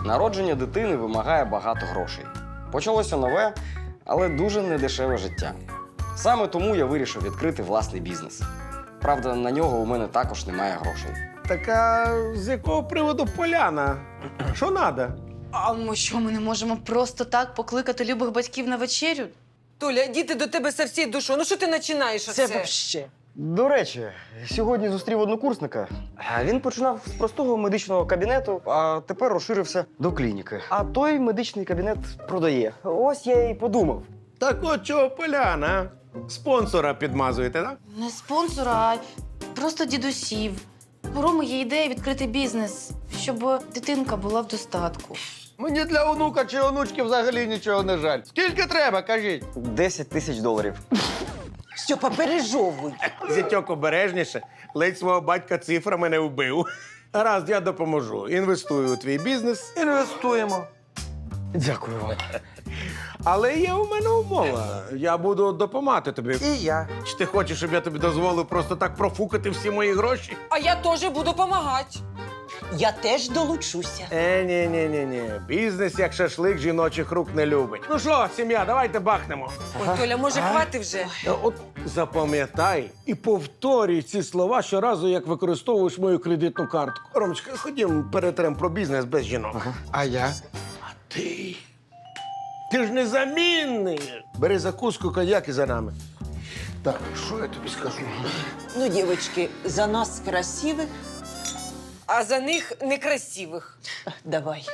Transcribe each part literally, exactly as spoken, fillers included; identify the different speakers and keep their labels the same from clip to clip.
Speaker 1: Народження дитини вимагає багато грошей. Почалося нове, але дуже недешеве життя. Саме тому я вирішив відкрити власний бізнес. Правда, на нього у мене також немає грошей.
Speaker 2: Так а з якого приводу Поляна? Що надо?
Speaker 3: А ми що, ми не можемо просто так покликати любих батьків на вечерю?
Speaker 4: Толя, діти до тебе со всією душою. Ну що ти починаєш оце?
Speaker 5: Це вообще.
Speaker 1: До речі, сьогодні зустрів однокурсника. Він починав з простого медичного кабінету, а тепер розширився до клініки. А той медичний кабінет продає. Ось я і подумав.
Speaker 2: Так от чого Поляна? Спонсора підмазуєте, так?
Speaker 3: Не спонсора, а просто дідусів. У Роми є ідея відкрити бізнес, щоб дитинка була в достатку.
Speaker 6: Мені для онука чи онучки взагалі нічого не жаль. Скільки треба, кажіть?
Speaker 1: десять тисяч доларів.
Speaker 5: Стьопа, пережовуй.
Speaker 2: Зятьок обережніше, ледь свого батька цифрами не вбив. Гаразд, я допоможу. Інвестую у твій бізнес.
Speaker 6: Інвестуємо.
Speaker 1: Дякую вам.
Speaker 2: Але є у мене умова. Я буду допомагати тобі.
Speaker 6: І я.
Speaker 2: Чи ти хочеш, щоб я тобі дозволив просто так профукати всі мої гроші?
Speaker 4: А я теж буду допомагати.
Speaker 5: Я теж долучуся.
Speaker 2: Е, ні, ні, ні, ні. Бізнес як шашлик жіночих рук не любить. Ну що, сім'я, давайте бахнемо.
Speaker 4: Ой, Толя, може, хвати вже?
Speaker 2: Е, От запам'ятай і повторюй ці слова щоразу, як використовуєш мою кредитну картку. Ромочка, ходім, перетрем про бізнес без жінок.
Speaker 6: А я?
Speaker 2: А ти? Ти ж незамінний. Бери закуску, коньяк і за нами.
Speaker 6: Так, що я тобі скажу?
Speaker 5: Ну, дівчатки, за нас красивих
Speaker 4: А за них некрасивих.
Speaker 5: давай.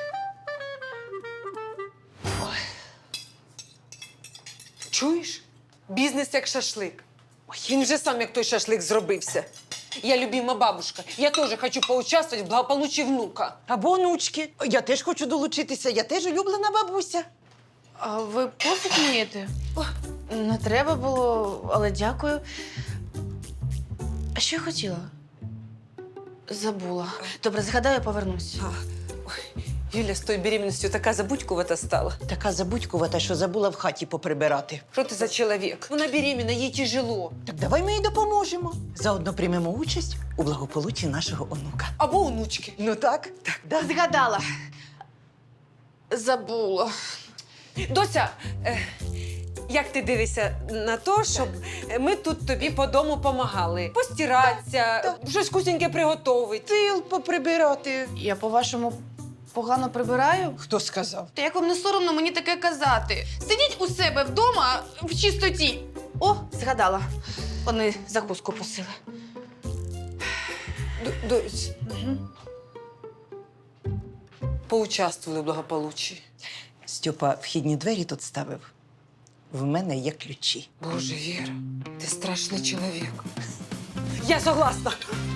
Speaker 4: Чуєш? Бізнес як шашлик. Ой, він вже сам як той шашлик зробився. Я любима бабушка. Я теж хочу поучаствувати в благополуччі внука.
Speaker 5: Або онучки. Я теж хочу долучитися, я теж улюблена бабуся.
Speaker 3: А ви пофіг вмієте? О, не треба було, але дякую. А що я хотіла? Забула. Добре, згадаю, повернусь.
Speaker 4: А, ой, Юля з тою беременністю така забудькувата стала.
Speaker 5: Така забудькувата, що забула в хаті поприбирати.
Speaker 4: Що ти за чоловік? Вона беременна, їй тяжело.
Speaker 5: Так давай ми їй допоможемо. Заодно приймемо участь у благополуччі нашого онука.
Speaker 4: Або онучки.
Speaker 5: Ну так? Так. Да.
Speaker 3: Згадала. Забула.
Speaker 4: Дося, е, як ти дивишся на те, щоб ми тут тобі по дому помагали? Постиратися, щось вкусненьке приготувати.
Speaker 5: Тил поприбирати.
Speaker 3: Я, по-вашому, погано прибираю?
Speaker 5: Хто сказав?
Speaker 3: Та як вам не соромно мені таке казати? Сидіть у себе вдома в чистоті. О, згадала. Вони закуску просили.
Speaker 4: Д- Дось, поучаствували в благополуччі.
Speaker 5: Стьопа вхідні двері тут ставив. В мене є ключі.
Speaker 4: Боже, Віра, ти страшний чоловік. Я согласна.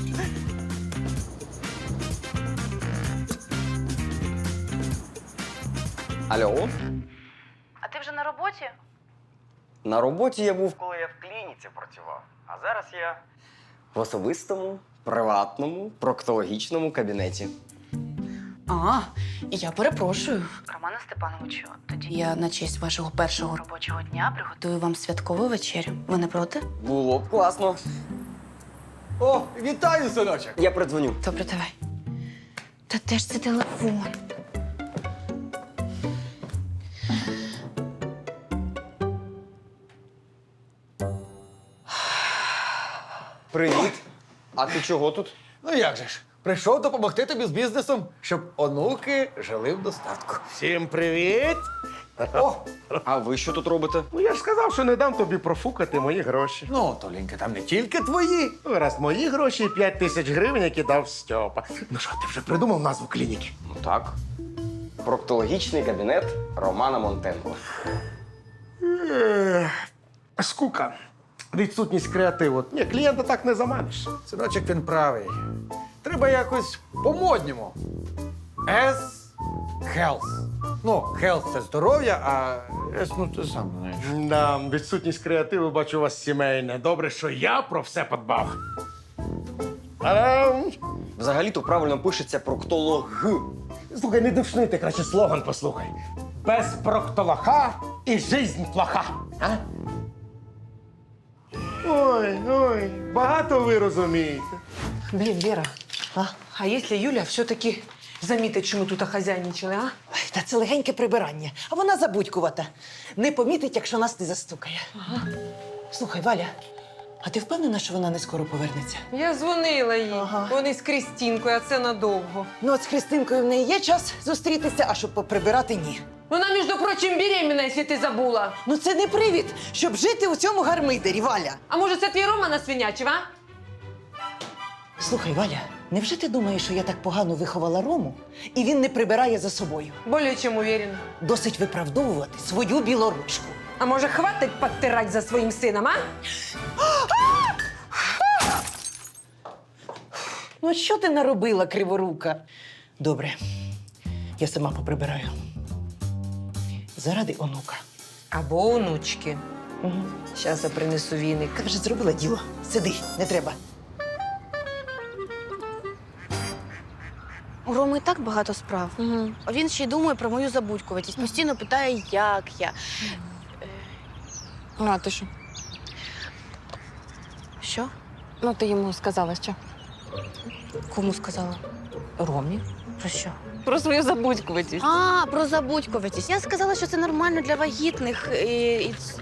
Speaker 1: Алло?
Speaker 3: А ти вже на роботі?
Speaker 1: На роботі я був, коли я в клініці працював. А зараз я в особистому, приватному, проктологічному кабінеті.
Speaker 3: А, я перепрошую. Романе Степановичу, тоді я на честь вашого першого робочого дня приготую вам святкову вечерю. Ви не проти?
Speaker 1: Було б класно.
Speaker 6: О, вітаю, синочок!
Speaker 1: Я придзвоню.
Speaker 3: Добре, давай. Та де ж це телефон?
Speaker 1: Привіт. А ти чого тут?
Speaker 6: Ну як же ж? Прийшов допомогти тобі з бізнесом, щоб онуки жили в достатку.
Speaker 2: Всім привіт!
Speaker 6: О,
Speaker 1: А ви що тут робите?
Speaker 2: Ну я ж сказав, що не дам тобі профукати мої гроші.
Speaker 6: ну, Толенька, там не тільки твої.
Speaker 2: Ну, раз мої гроші і п'ять тисяч гривень, які дав Стьопа. Ну що, ти вже придумав назву клініки?
Speaker 1: Ну так. Проктологічний кабінет Романа Монтенко.
Speaker 2: Ех, Скука. Відсутність креативу. Ні, клієнта так не заманиш.
Speaker 6: Синочок, він правий. Треба якось по-модньому. S health. Ну, health – це здоров'я, а S, ну, ти сам знаєш.
Speaker 2: Да, відсутність креативу, бачу, у вас сімейне. Добре, що я про все подбав. Та-дам!
Speaker 1: Взагалі-то правильно пишеться проктолог.
Speaker 2: Слухай, не душни, ти краще слоган послухай. Без проктолоха і жизнь плоха. А? Ой, ой, багато ви розумієте.
Speaker 4: Блін, Віра, а якщо Юля все-таки замітить, що ми тут хазяйничали, а?
Speaker 5: Ой, та це легеньке прибирання, а вона забудькувата. Не помітить, якщо нас не застукає. Ага. Слухай, Валя, а ти впевнена, що вона не скоро повернеться?
Speaker 4: Я дзвонила їй.
Speaker 5: Ага.
Speaker 4: Вони з Крістінкою, а це надовго.
Speaker 5: Ну, от з Христинкою в неї є час зустрітися, а щоб поприбирати ні.
Speaker 4: Вона, між прочим, беременна, якщо ти забула.
Speaker 5: Ну це не привід, щоб жити у цьому гармидері, Валя.
Speaker 4: А може, це твій Рома насвинячив, а?
Speaker 5: Слухай, Валя, невже ти думаєш, що я так погано виховала Рому, і він не прибирає за собою?
Speaker 4: Более чим уверена.
Speaker 5: Досить виправдовувати свою білоручку.
Speaker 4: А може, хватить підтирати за своїм сином, а?
Speaker 5: Ну, от що ти наробила, криворука? Добре, я сама поприбираю. Заради онука.
Speaker 4: Або онучки.
Speaker 5: Угу.
Speaker 4: Щас я принесу віник.
Speaker 5: Я вже зробила діло. Сиди, не треба.
Speaker 3: У Роми і так багато справ.
Speaker 4: Угу.
Speaker 3: А він ще й думає про мою забудькуватість. Постійно питає, як я.
Speaker 7: А, ти що?
Speaker 3: Що?
Speaker 7: Ну, ти йому сказала, що?
Speaker 3: Кому сказала?
Speaker 7: Ромі.
Speaker 3: Про що?
Speaker 7: Про свою забудькуватість.
Speaker 3: А, про забудькуватість. Я сказала, що це нормально для вагітних. І, і... ц-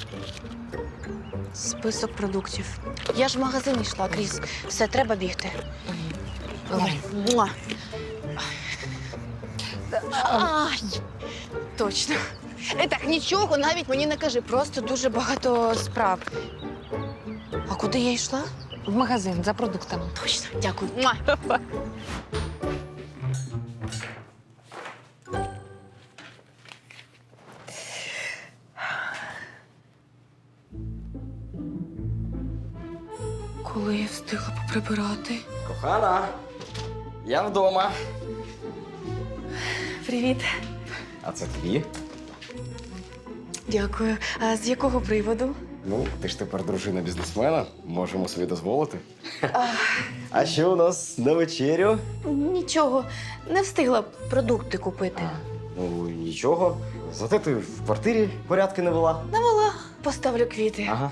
Speaker 3: Список продуктів. Я ж в магазин йшла, Кріс. Все, треба бігти. Давай. Муа. Ай, точно. Е, Так, нічого навіть мені не кажи, просто дуже багато справ. А куди я йшла?
Speaker 7: В магазин за продуктами.
Speaker 3: Точно, дякую. Муа. Коли я встигла поприбирати?
Speaker 1: Кохана, я вдома.
Speaker 3: Привіт.
Speaker 1: А це тобі?
Speaker 3: Дякую. А з якого приводу?
Speaker 1: Ну, ти ж тепер дружина бізнесмена, можемо собі дозволити. А що у нас на вечерю?
Speaker 3: Нічого, не встигла продукти купити.
Speaker 1: Ну, нічого. Зате ти в квартирі порядки не вела.
Speaker 3: Навела, поставлю квіти.
Speaker 1: Ага.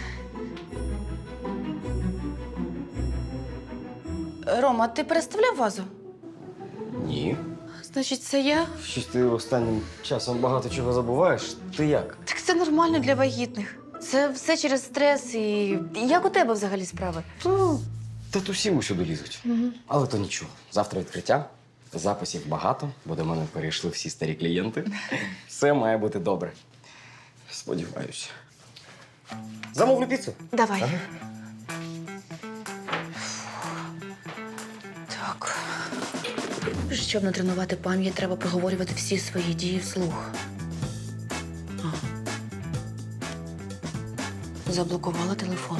Speaker 3: Рома, ти переставляв вазу?
Speaker 1: Ні.
Speaker 3: Значить, це я?
Speaker 1: Щось ти останнім часом багато чого забуваєш. Ти як?
Speaker 3: Так це нормально для вагітних. Це все через стрес і. Як у тебе взагалі справи?
Speaker 1: Та то всі усюди лізуть.
Speaker 3: Угу.
Speaker 1: Але то нічого. Завтра відкриття. Записів багато, бо до мене перейшли всі старі клієнти. Все має бути добре. Сподіваюся. Замовлю піцу.
Speaker 3: Давай. Так. Щоб натренувати пам'ять, треба проговорювати всі свої дії вслух. А. Заблокувала телефон.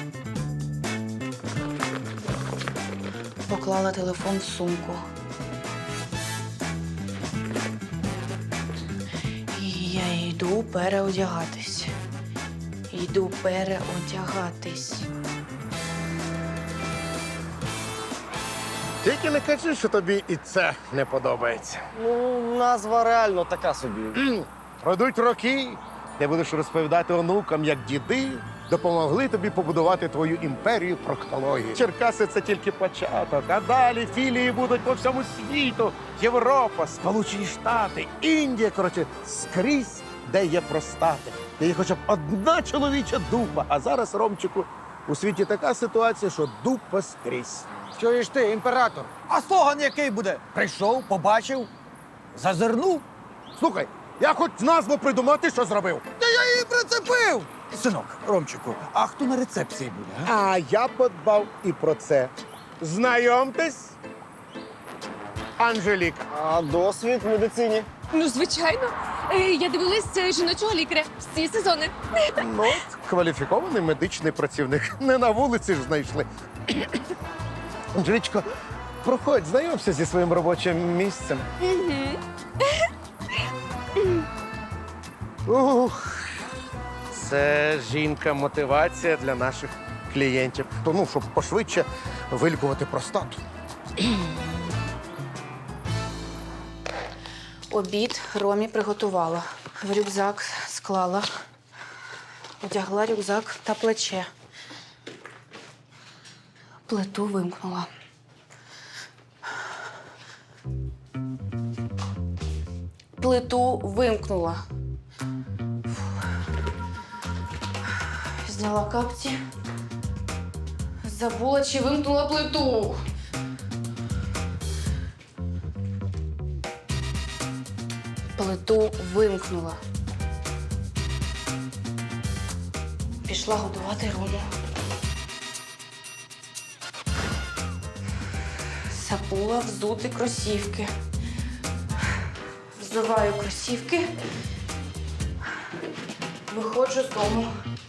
Speaker 3: Поклала телефон в сумку. І я йду переодягатись. Йду переодягатись.
Speaker 2: Тільки не кажи, що тобі і це не подобається.
Speaker 1: Ну, назва реально така собі.
Speaker 2: Пройдуть роки, ти будеш розповідати онукам, як діди допомогли тобі побудувати твою імперію проктології. Черкаси це тільки початок, а далі філії будуть по всьому світу. Європа, Сполучені Штати, Індія, коротше, скрізь, де є простати, де є хоча б одна чоловіча дупа. А зараз, Ромчику, у світі така ситуація, що дупа скрізь.
Speaker 6: Чуєш ти, імператор? А слоган який буде? Прийшов, побачив, зазирнув.
Speaker 2: Слухай, я хоч назву придумати, що зробив.
Speaker 6: Та я її прицепив! Синок, Ромчику, а хто на рецепції буде? А?
Speaker 2: А я подбав і про це. Знайомтесь, Анжеліка.
Speaker 1: А досвід в медицині?
Speaker 7: Ну, звичайно. Е, Я дивилась е, жіночого лікаря всі сезони.
Speaker 2: Ну, от, кваліфікований медичний працівник. Не на вулиці ж знайшли. Анжелічко, проходь, знайомся зі своїм робочим місцем. Ух, це жінка-мотивація для наших клієнтів. То, ну, щоб пошвидше вилікувати простату.
Speaker 3: Обід Ромі приготувала. В рюкзак склала. Одягла рюкзак та плече. Плиту вимкнула. плиту вимкнула. Зняла капці. Забула, чи вимкнула плиту. Плиту вимкнула. Пішла годувати Рому. Забула взути кросівки. Взуваю кросівки. Виходжу з дому.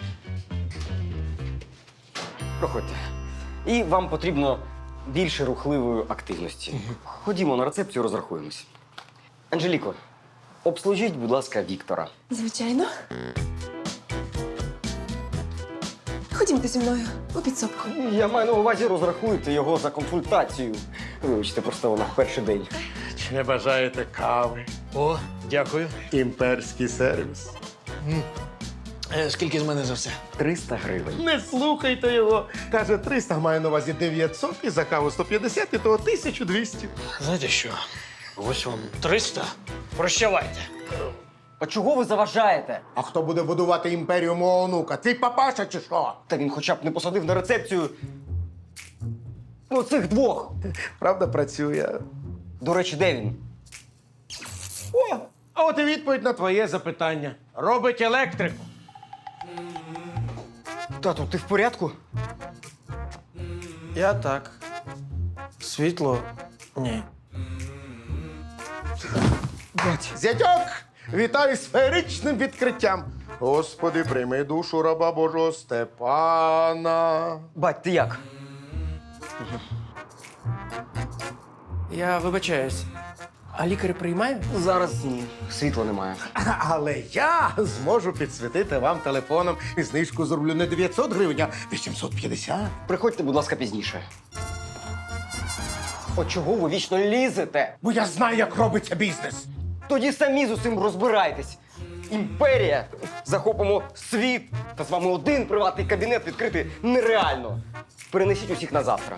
Speaker 1: Проходьте. І вам потрібно більше рухливої активності. Ходімо на рецепцію, розрахуємось. Анжеліко, обслужіть, будь ласка, Віктора.
Speaker 7: Звичайно. Ходімте зі мною у підсобку.
Speaker 1: Я маю на увазі, розрахуйте його за консультацію. Вибачте, просто вона в перший день.
Speaker 2: Чи не бажаєте кави?
Speaker 6: О, дякую.
Speaker 2: Імперський сервіс.
Speaker 6: Е, скільки з мене за все?
Speaker 1: триста гривень.
Speaker 2: Не слухайте його. Каже, триста, має на увазі дев'ятсот, і за каву сто п'ятдесят, і того тисячу двісті.
Speaker 6: Знаєте що? Ось вам триста. Прощавайте.
Speaker 1: А чого ви заважаєте?
Speaker 2: А хто буде будувати імперію мого онука? Твій папаша чи що?
Speaker 1: Та він хоча б не посадив на рецепцію. Ну, цих двох.
Speaker 2: Правда, працює.
Speaker 1: До речі, де він?
Speaker 2: О, а от і відповідь на твоє запитання. Робить електрику.
Speaker 1: Тату, ти в порядку?
Speaker 6: Я так. Світло? Ні.
Speaker 2: Зятьок, вітаю з феєричним відкриттям. Господи, прийми душу раба Божого Степана.
Speaker 1: Бать, ти як?
Speaker 8: Я вибачаюсь. А лікар приймає?
Speaker 1: Зараз ні. Світла немає.
Speaker 2: Але я зможу підсвітити вам телефоном і знижку зроблю не дев'ятсот гривень, а вісімсот п'ятдесят.
Speaker 1: Приходьте, будь ласка, пізніше. От чого ви вічно лізете?
Speaker 2: Бо я знаю, як робиться бізнес.
Speaker 1: Тоді самі з усім розбирайтесь. Імперія. Захопимо світ. Та з вами один приватний кабінет відкрити нереально. Перенесіть усіх на завтра.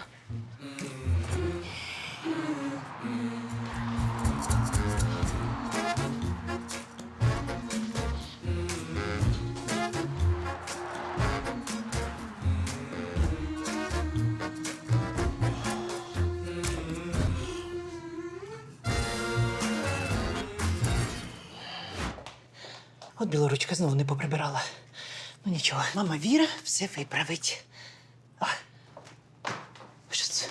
Speaker 5: От білоручка знову не поприбирала. Ну нічого, мама Віра все виправить. А. Що це?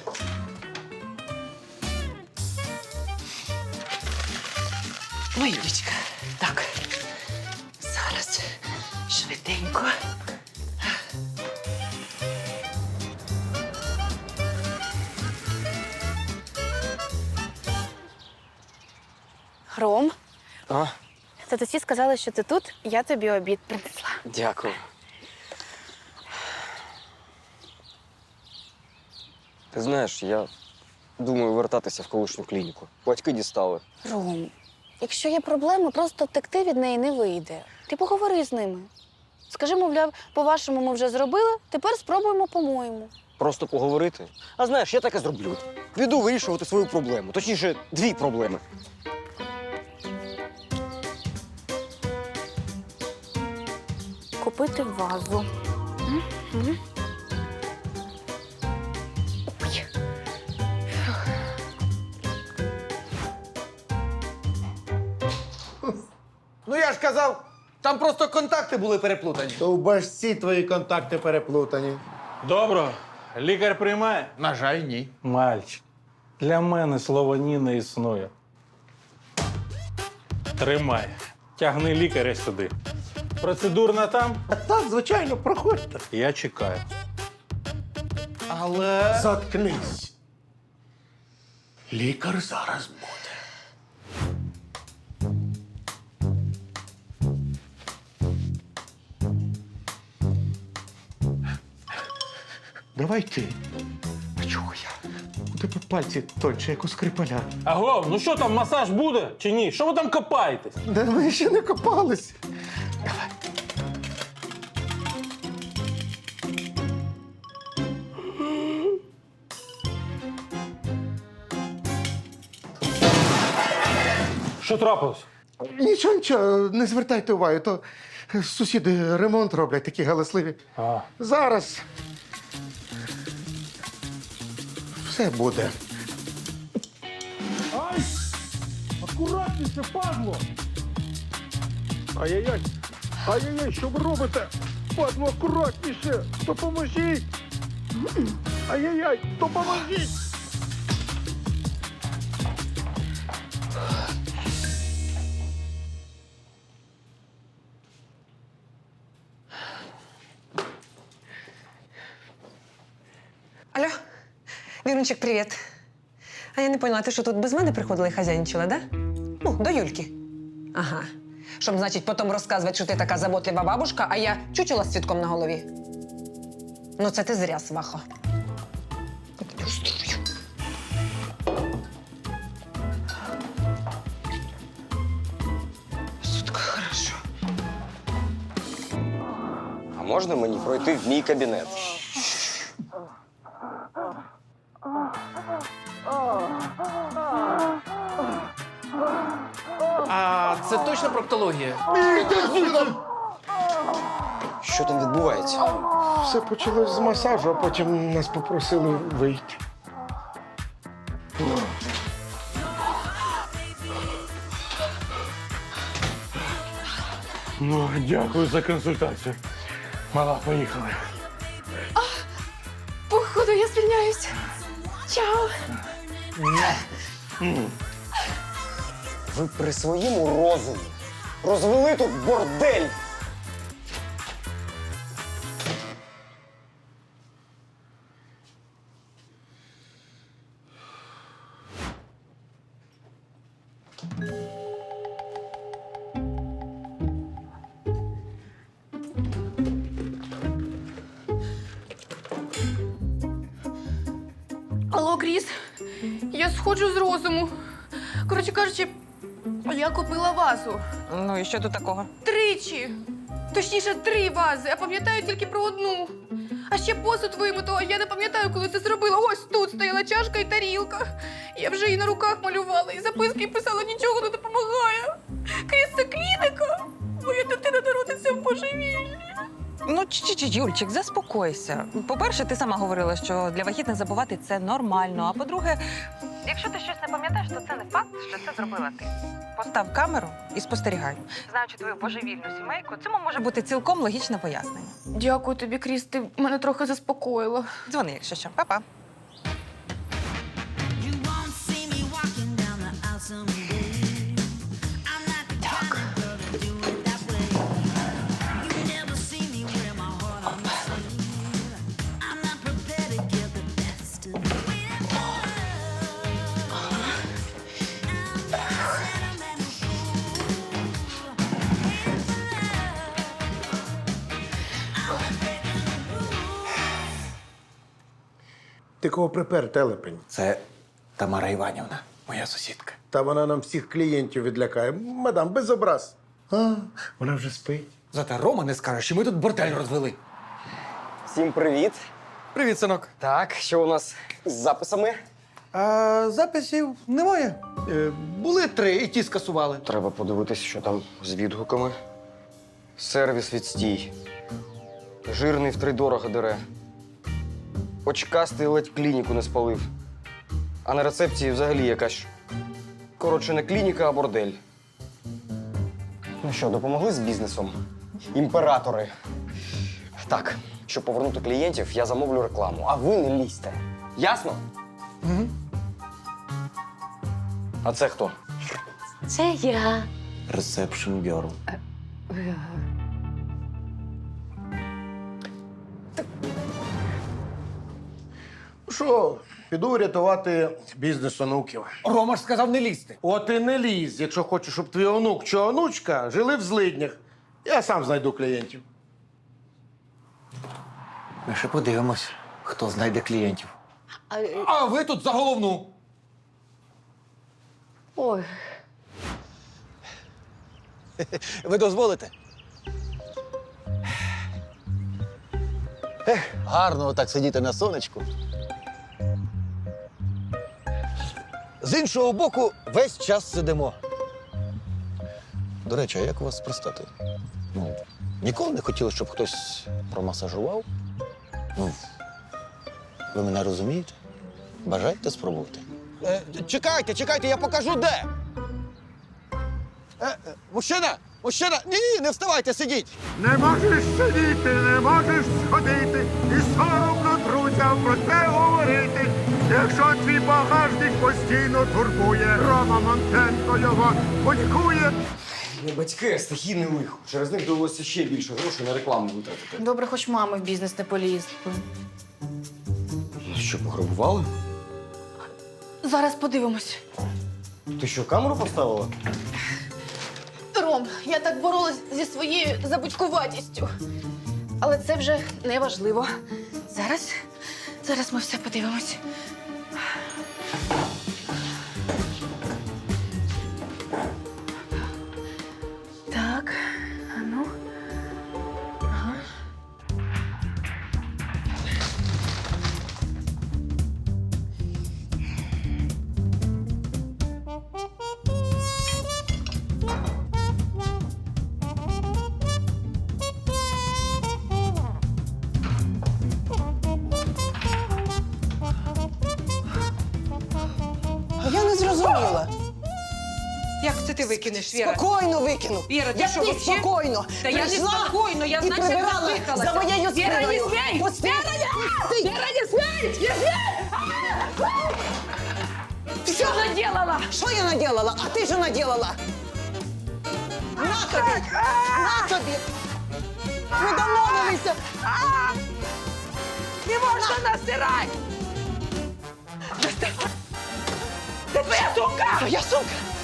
Speaker 5: Ой, дочка. Так. Зараз швиденько.
Speaker 3: Ром,
Speaker 1: А?
Speaker 3: татусі сказали, що ти тут, я тобі обід принесла.
Speaker 1: Дякую. Ти знаєш, я думаю вертатися в колишню клініку. Батьки дістали.
Speaker 3: Ром, якщо є проблеми, просто втекти від неї не вийде. Ти поговори з ними. Скажи, мовляв, по-вашому ми вже зробили, тепер спробуємо по-моєму.
Speaker 1: Просто поговорити. А знаєш, я так і зроблю. Піду вирішувати свою проблему. Точніше, дві проблеми.
Speaker 3: Купити вазу. М? М? Ой.
Speaker 6: Ну я ж казав, там просто контакти були переплутані.
Speaker 2: То в башці твої контакти переплутані.
Speaker 9: Добро. Лікар приймає?
Speaker 6: На жаль, ні.
Speaker 9: Мальчик. Для мене слово ні не існує. Тримай. Тягни лікаря сюди. Процедурна там?
Speaker 2: А так, звичайно, проходьте.
Speaker 9: Я чекаю.
Speaker 6: Але.
Speaker 2: Заткнись. Лікар зараз буде. Давай ти. А чого я? У тебе пальці тоньше, як у скрипаля.
Speaker 9: Аго, ну що там, масаж буде чи ні? Що ви там копаєтесь?
Speaker 2: Да ми ще не копались. Давай.
Speaker 9: Що трапилось?
Speaker 2: Нічого, нічого, не звертайте уваги, то сусіди ремонт роблять, такі галасливі.
Speaker 9: А.
Speaker 2: Зараз все буде.
Speaker 9: Ай! Акуратніше, падло! Ай-яй-яй! Ай-яй-яй, що ви робите? Падло, акуратніше! Допоможіть! Ай-яй-яй, допоможіть!
Speaker 4: Алло, Вірунчик, привіт. А я не поняла, ти що тут без мене приходила і хазяйничала, да? Ну, до Юльки. Ага. Щоб, значить, потім розказувати, що ти така заботлива бабушка, а я чучела з цвітком на голові. Ну, це ти зря, свахо. Сутка, хорошо.
Speaker 1: А можна мені пройти в мій кабінет?
Speaker 8: А це точно проктологія?
Speaker 1: Що там відбувається?
Speaker 2: Все почалось з масажу, а потім нас попросили вийти.
Speaker 9: Ну, дякую за консультацію. Мала, поїхали.
Speaker 7: Походу, я звільняюсь. Чао.
Speaker 1: Ви при своєму розумі розвели тут бордель.
Speaker 7: Алло, Кріс. Я сходжу з розуму. Коротше кажучи, я купила вазу.
Speaker 4: Ну і що тут такого?
Speaker 7: Тричі. Точніше, три вази, а пам'ятаю тільки про одну. А ще посуд вимитого, я не пам'ятаю, коли це зробила. Ось тут стояла чашка і тарілка. Я вже її на руках малювала, і записки писала, нічого не допомагає. Кріс, це клініка. Моя дитина народиться в божевіллі.
Speaker 10: Ну, чи-чи, Юльчик, заспокойся. По-перше, ти сама говорила, що для вагітних забувати це нормально. А по-друге, якщо ти щось не пам'ятаєш, то це не факт, що це зробила ти. Постав камеру і спостерігай. Знаючи твою божевільну сімейку, цьому може бути цілком логічне пояснення.
Speaker 7: Дякую тобі, Кріс, ти мене трохи заспокоїла.
Speaker 10: Дзвони, якщо що. Па-па.
Speaker 2: Ти кого припер, телепень?
Speaker 6: Це Тамара Іванівна, моя сусідка.
Speaker 2: Та вона нам всіх клієнтів відлякає. Мадам, без образ. А, вона вже спить.
Speaker 6: Зате Рома не скаже, що ми тут бордель розвели.
Speaker 1: Всім привіт.
Speaker 8: Привіт, синок.
Speaker 1: Так, що у нас з записами?
Speaker 6: А записів немає. Е, були три, і ті скасували.
Speaker 1: Треба подивитися, що там з відгуками. Сервіс відстій. Жирний втридорога дере. Очкастий ледь клініку не спалив. А на рецепції взагалі якась. Коротше, не клініка, а бордель. Ну що, допомогли з бізнесом? Імператори. Так, щоб повернути клієнтів, я замовлю рекламу, а ви не лізьте. Ясно?
Speaker 6: Угу.
Speaker 1: А це хто?
Speaker 7: Це я.
Speaker 6: Ресепшн Girl.
Speaker 2: Що, піду рятувати бізнес онуків.
Speaker 6: Рома ж сказав не лізти.
Speaker 2: От і не лізь, якщо хочеш, щоб твій онук чи онучка жили в злиднях. Я сам знайду клієнтів.
Speaker 6: Ми ще подивимось, хто знайде клієнтів. А ви тут за головну.
Speaker 7: Ой.
Speaker 11: Ви дозволите? Ех, гарно так сидіти на сонечку. З іншого боку, весь час сидимо. До речі, а як у вас з простатою? Ну, ніколи не хотіли, щоб хтось промасажував? Ну, ви мене розумієте? Бажаєте спробувати? Е, чекайте, чекайте, я покажу де. Е, е, мужчина! Мужчина! Ні, не вставайте, сидіть!
Speaker 2: Не можеш сидіти, не можеш сходити, і соромно друзям про це говорити. Якщо твій багажник постійно турбує, Рома Монтенко його полікує.
Speaker 1: Не батьки, а стихійне лихо. Через них довелося ще більше грошей на рекламу витратити.
Speaker 3: Добре, хоч мами в бізнес не полізли.
Speaker 1: Ну що, пограбували?
Speaker 3: Зараз подивимось.
Speaker 1: Ти що, камеру поставила?
Speaker 7: Ром, я так боролась зі своєю забудькуватістю. Але це вже не важливо.
Speaker 3: Зараз, зараз ми все подивимось. Так, а ну. Ага.
Speaker 5: Я не зрозуміла.
Speaker 4: Як це ти викинеш, Віра?
Speaker 5: Спокійно викину.
Speaker 4: Віра, ти
Speaker 5: я
Speaker 4: що,
Speaker 5: ти
Speaker 4: вообще?
Speaker 5: спокійно.
Speaker 4: Та я не
Speaker 5: Прийшла
Speaker 4: спокійно, я
Speaker 5: і
Speaker 4: значить
Speaker 5: прибирала
Speaker 4: задихалася.
Speaker 5: за моєю
Speaker 4: Віра, не
Speaker 5: спиною.
Speaker 4: смій!
Speaker 5: Пусти! Пусти!
Speaker 4: Віра, не смій! Не смій! Що наделала?
Speaker 5: Що я наделала? А ти що наделала? На тобі! На тобі! Ми домовилися!
Speaker 4: Не можна насирати! Це твоя сумка!
Speaker 5: Твоя сумка!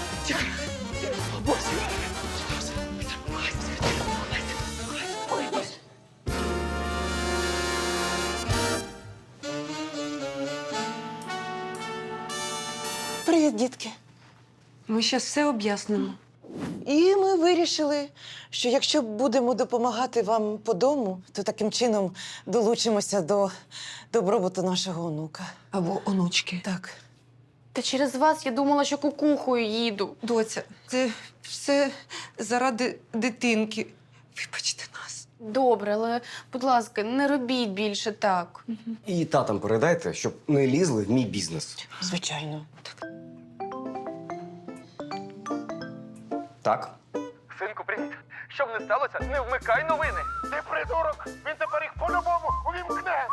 Speaker 5: Привіт, дітки.
Speaker 4: Ми зараз все об'яснимо.
Speaker 5: І ми вирішили, що якщо будемо допомагати вам по дому, то таким чином долучимося до добробуту нашого онука.
Speaker 4: Або онучки.
Speaker 5: Так.
Speaker 7: Та через вас я думала, що кукухою їду.
Speaker 4: Доця, це все заради дитинки. Вибачте нас.
Speaker 7: Добре, але, будь ласка, не робіть більше так.
Speaker 1: І татам передайте, щоб не лізли в мій бізнес.
Speaker 5: Звичайно.
Speaker 1: Так?
Speaker 6: Синку, привіт. Щоб не сталося, не вмикай новини. Ти придурок! Він тепер їх по-любому увімкне.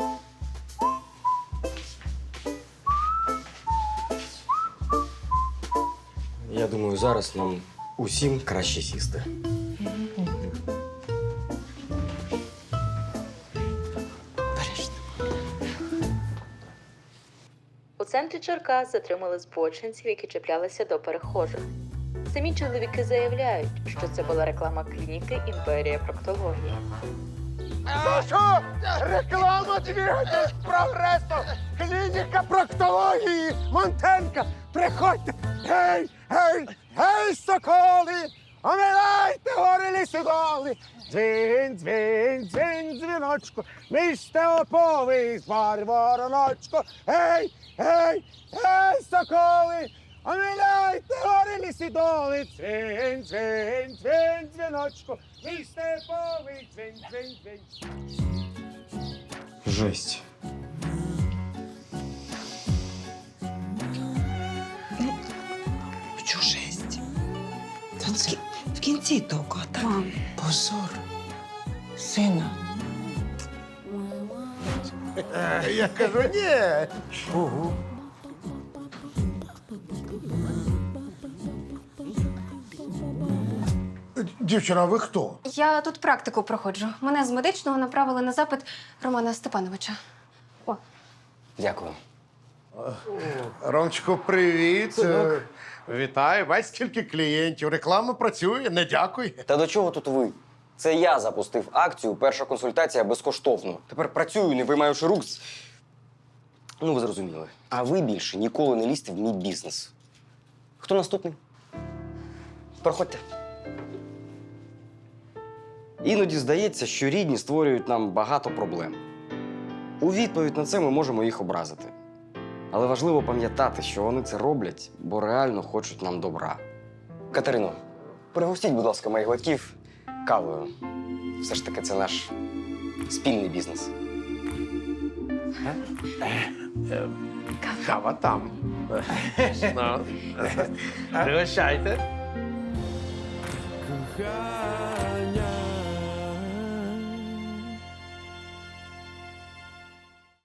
Speaker 1: Я думаю, зараз нам усім краще сісти.
Speaker 12: У центрі Черкас затримали збочинців, які чіплялися до перехожих. Самі чоловіки заявляють, що це була реклама клініки «Імперія проктології».
Speaker 2: За що? Реклама двигатель прогресу! Клініка проктології! Монтенка! Приходьте! Гей! Гей! Гей, соколи! Оминайте гори лісодоли! Дзвін, дзвін, дзвін, дзвіночку! Місте оповий звар вороночко! Гей! Гей! Гей, соколи! Оминайте гори лісодоли! Дзвін, дзвін, дзвін, дзвіночку! Місте оповий! Дзвін, дзвін, дзвін!
Speaker 1: Жесть.
Speaker 5: Що жесть? Та в кі- в кінці тільки, а так? Позор. Сина.
Speaker 2: Я кажу, ні. Угу. Дівчина, а ви хто?
Speaker 7: Я тут практику проходжу. Мене з медичного направили на запит Романа Степановича.
Speaker 1: Дякую.
Speaker 2: Ромчику, привіт. Е, Вітаю. Бачиш, скільки клієнтів. Реклама працює, не дякує.
Speaker 1: Та до чого тут ви? Це я запустив акцію «Перша консультація безкоштовно». Тепер працюю, не виймаючи рук. з- Ну, ви зрозуміли. А ви більше ніколи не лізьте в мій бізнес. Хто наступний? Проходьте. Іноді здається, що рідні створюють нам багато проблем. У відповідь на це ми можемо їх образити. Але важливо пам'ятати, що вони це роблять, бо реально хочуть нам добра. Катерино, Пригостіть, будь ласка, моїх батьків кавою. Все ж таки, це наш спільний бізнес.
Speaker 6: Кава там. Ну, пригощайте.
Speaker 13: Кохай.